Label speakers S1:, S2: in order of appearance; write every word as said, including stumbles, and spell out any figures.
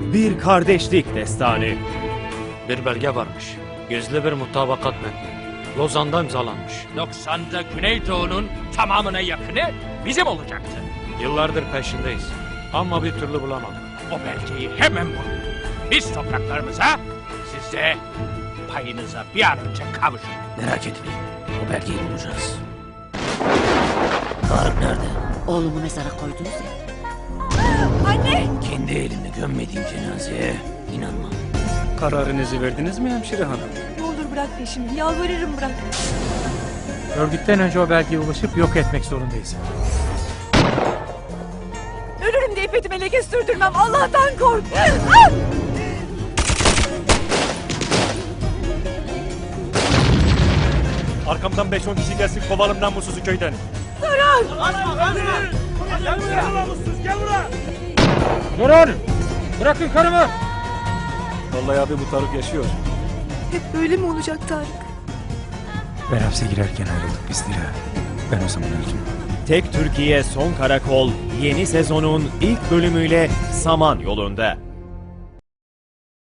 S1: Bir kardeşlik destanı.
S2: Bir belge varmış. Gizli bir mutabakat metni. Lozan'da imzalanmış.
S3: doksan'da Güneydoğu'nun tamamına yakını bizim olacaktı.
S2: Yıllardır peşindeyiz. Ama bir türlü bulamadık.
S3: O belgeyi hemen bulun. Biz topraklarımıza, siz de payınıza bir an önce kavuşun.
S4: Merak etmeyin. O belgeyi bulacağız. Tarık nerede?
S5: Oğlumu mezara koydunuz ya.
S4: Kendi elimle gömmediğim cenazeye inanmam.
S6: Kararınızı verdiniz mi hemşire hanım?
S7: Ne olur bırak peşimi. Yalvarırım bırak.
S6: Örgütten önce o belgeye ulaşıp yok etmek zorundayız.
S7: Ölürüm diye ipetime leke sürdürmem. Allah'tan kork. Ah!
S6: Arkamdan beş on kişi gelsin kovalım namussuzu köyden. Durun! Bırakın karımı! Vallahi abi bu Tarık yaşıyor.
S7: Hep böyle mi olacak Tarık?
S6: Ben hapse girerken ayrıldık biz Dila. Ben o zaman öldüm.
S1: Tek Türkiye Son Karakol yeni sezonun ilk bölümüyle Saman yolunda.